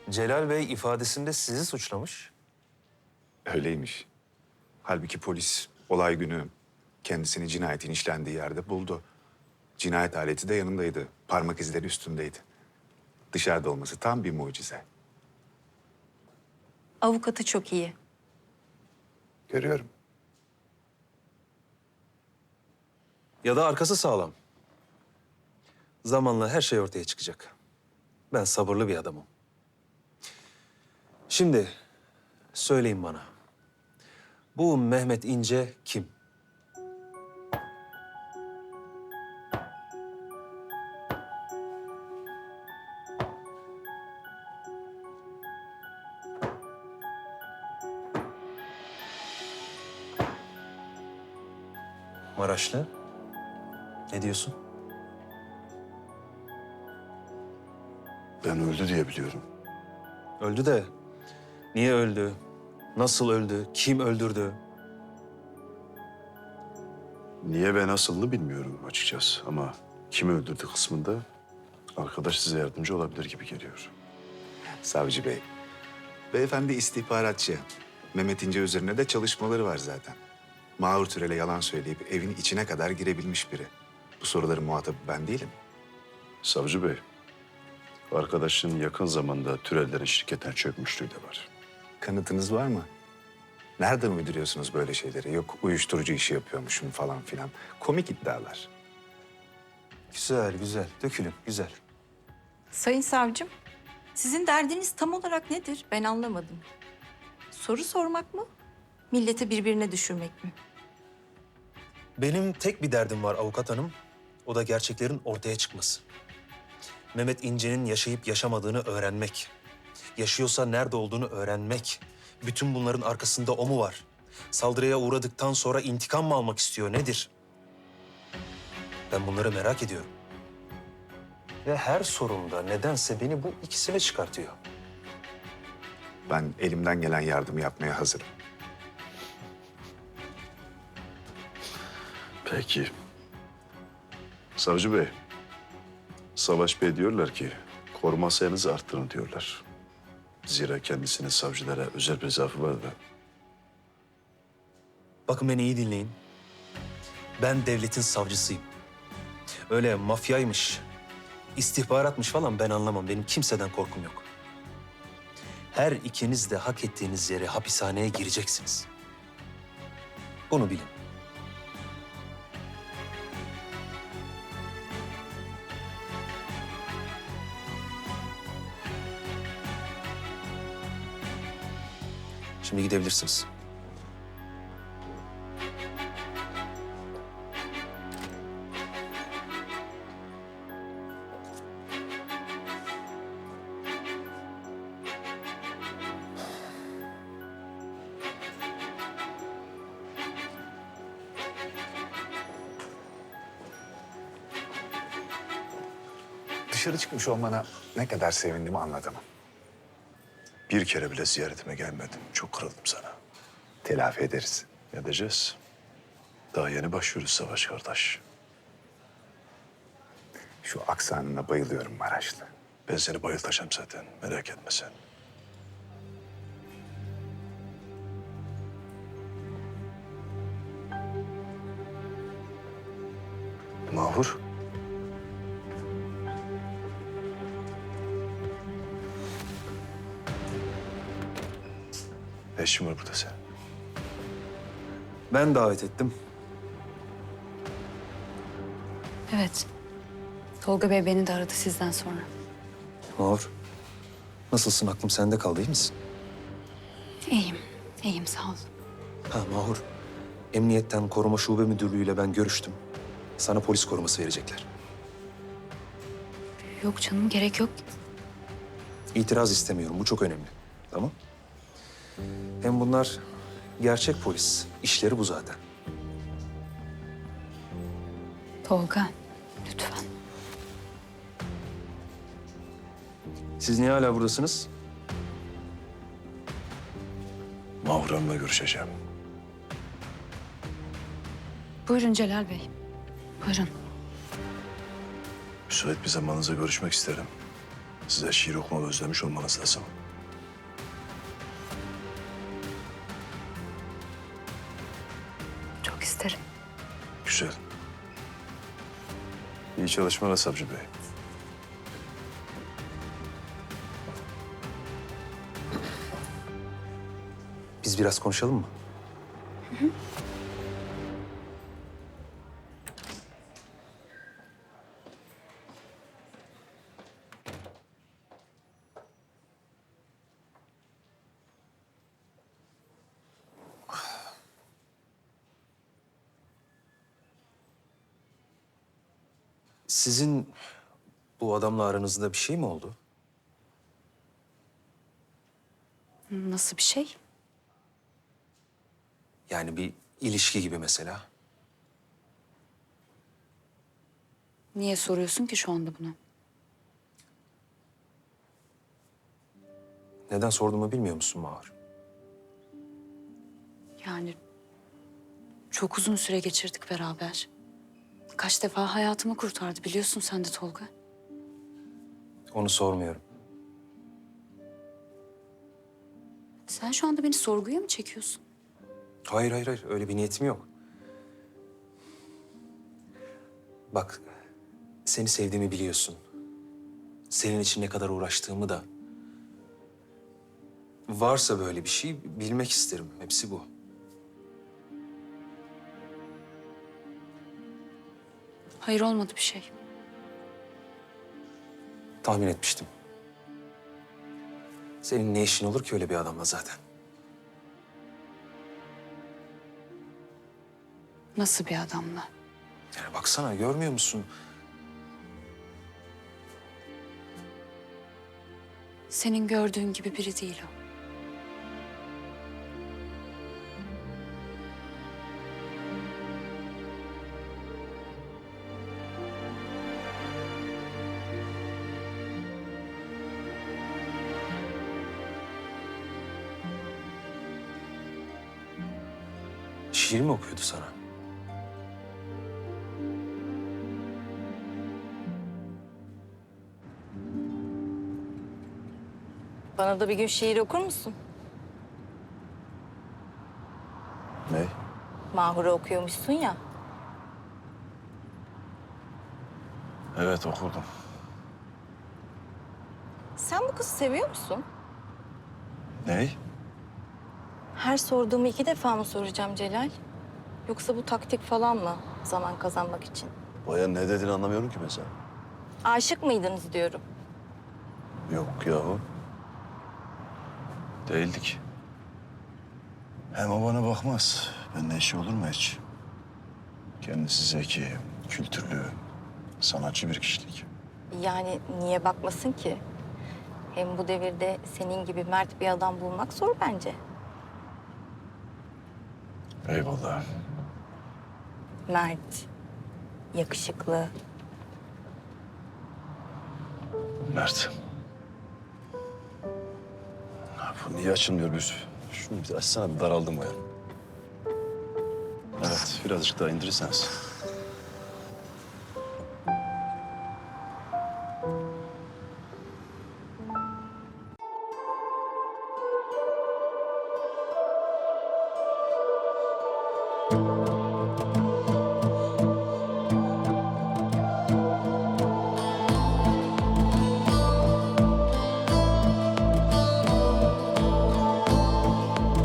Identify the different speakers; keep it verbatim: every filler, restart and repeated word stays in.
Speaker 1: Celal Bey ifadesinde sizi suçlamış.
Speaker 2: Öyleymiş. Halbuki polis olay günü kendisini cinayetin işlendiği yerde buldu. Cinayet aleti de yanındaydı. Parmak izleri üstündeydi. Dışarıda olması tam bir mucize.
Speaker 3: Avukatı çok iyi.
Speaker 2: Görüyorum.
Speaker 1: Ya da arkası sağlam. Zamanla her şey ortaya çıkacak. Ben sabırlı bir adamım. Şimdi söyleyin bana. Bu Mehmet İnce kim? Maraşlı. Ne diyorsun?
Speaker 4: Ben öldü diye biliyorum.
Speaker 1: Öldü de niye öldü? Nasıl öldü? Kim öldürdü?
Speaker 4: Niye ve nasılını bilmiyorum açıkçası ama kimi öldürdü kısmında arkadaş size yardımcı olabilir gibi geliyor.
Speaker 2: Savcı Bey, beyefendi istihbaratçı. Mehmet İnce üzerine de çalışmaları var zaten. Mahur Türel'e yalan söyleyip evin içine kadar girebilmiş biri. Bu soruların muhatabı ben değilim.
Speaker 4: Savcı Bey, arkadaşın yakın zamanda Türellerin şirketten çökmüşlüğü de var.
Speaker 2: Kanıtınız var mı? Nereden uyduruyorsunuz böyle şeyleri? Yok uyuşturucu işi yapıyormuşum falan filan. Komik iddialar.
Speaker 1: Güzel, güzel. Dökülün, güzel.
Speaker 3: Sayın savcım, sizin derdiniz tam olarak nedir? Ben anlamadım. Soru sormak mı? Milleti birbirine düşürmek mi?
Speaker 1: Benim tek bir derdim var avukat hanım. O da gerçeklerin ortaya çıkması. Mehmet İnce'nin yaşayıp yaşamadığını öğrenmek. Yaşıyorsa nerede olduğunu öğrenmek. Bütün bunların arkasında o mu var? Saldırıya uğradıktan sonra intikam mı almak istiyor, nedir? Ben bunları merak ediyorum. Ve her sorumda nedense beni bu ikisine çıkartıyor.
Speaker 2: Ben elimden gelen yardımı yapmaya hazırım.
Speaker 4: Peki. Savcı Bey, Savaş Bey diyorlar ki koruma sayınızı arttırın diyorlar. Zira kendisinin savcılara özel bir zaafı var da.
Speaker 1: Bakın beni iyi dinleyin. Ben devletin savcısıyım. Öyle mafyaymış, istihbaratmış falan ben anlamam. Benim kimseden korkum yok. Her ikiniz de hak ettiğiniz yere hapishaneye gireceksiniz. Bunu bilin. Şimdi gidebilirsiniz.
Speaker 2: Dışarı çıkmış olmana ne kadar sevindiğimi anlatamam.
Speaker 4: Bir kere bile ziyaretime gelmedin. Çok kırıldım sana.
Speaker 2: Telafi ederiz.
Speaker 4: Ne edeceğiz? Daha yeni başlıyoruz Savaş kardeş.
Speaker 2: Şu aksanına bayılıyorum Maraşlı.
Speaker 4: Ben seni bayıltacağım zaten. Merak etme sen. Mahur. Ne işin var burada sen?
Speaker 1: Ben davet ettim.
Speaker 5: Evet. Tolga Bey beni de aradı sizden sonra.
Speaker 1: Mahur, nasılsın? Aklım sende kaldı, iyi misin?
Speaker 5: İyiyim. İyiyim sağ ol.
Speaker 1: Ha Mahur, Emniyetten Koruma Şube Müdürlüğü'yle ben görüştüm. Sana polis koruması verecekler.
Speaker 5: Yok canım gerek yok.
Speaker 1: İtiraz istemiyorum, bu çok önemli. Tamam? Hem bunlar gerçek polis. İşleri bu zaten.
Speaker 5: Tolga lütfen.
Speaker 1: Siz niye hala buradasınız?
Speaker 4: Mahur Hanım'la görüşeceğim.
Speaker 5: Buyurun Celal Bey. Buyurun.
Speaker 4: Müsait bir zamanınızda görüşmek isterim. Size şiir okumayı özlemiş olmanız lazım.
Speaker 5: Çok isterim.
Speaker 4: Güzel. İyi çalışmalar Savcı Bey.
Speaker 1: Biz biraz konuşalım mı? Sizin bu adamla aranızda bir şey mi oldu?
Speaker 5: Nasıl bir şey?
Speaker 1: Yani bir ilişki gibi mesela.
Speaker 5: Niye soruyorsun ki şu anda bunu?
Speaker 1: Neden sorduğumu bilmiyor musun Mahur?
Speaker 5: Yani çok uzun süre geçirdik beraber. Kaç defa hayatımı kurtardı biliyorsun sen de Tolga.
Speaker 1: Onu sormuyorum.
Speaker 5: Sen şu anda beni sorguya mı çekiyorsun?
Speaker 1: Hayır, hayır, hayır. Öyle bir niyetim yok. Bak, seni sevdiğimi biliyorsun. Senin için ne kadar uğraştığımı da. Varsa böyle bir şey bilmek isterim. Hepsi bu.
Speaker 5: Hayır olmadı bir şey.
Speaker 1: Tahmin etmiştim. Senin ne işin olur ki öyle bir adamla zaten?
Speaker 5: Nasıl bir adamla?
Speaker 1: Yani baksana, görmüyor musun?
Speaker 5: Senin gördüğün gibi biri değil o.
Speaker 1: Şiir mi okuyordu sana?
Speaker 3: Bana da bir gün şiir okur musun?
Speaker 4: Ne?
Speaker 3: Mahur'u okuyormuşsun ya.
Speaker 4: Evet okurdum.
Speaker 3: Sen bu kızı seviyor musun?
Speaker 4: Ne?
Speaker 3: Her sorduğumu iki defa mı soracağım Celal? Yoksa bu taktik falan mı? Zaman kazanmak için.
Speaker 4: Bayan ne dediğini anlamıyorum ki mesela.
Speaker 3: Aşık mıydınız diyorum.
Speaker 4: Yok yahu. Değildik. Hem o bana bakmaz. Benden işi olur mu hiç? Kendisi zeki, kültürlü, sanatçı bir kişilik.
Speaker 3: Yani niye bakmasın ki? Hem bu devirde senin gibi mert bir adam bulmak zor bence.
Speaker 4: Eyvallah.
Speaker 3: Mert, yakışıklı.
Speaker 4: Mert. Bu niye açılmıyor bir? Şunu bir açsana, bir daraldım bayan. Evet, birazcık daha indirirseniz.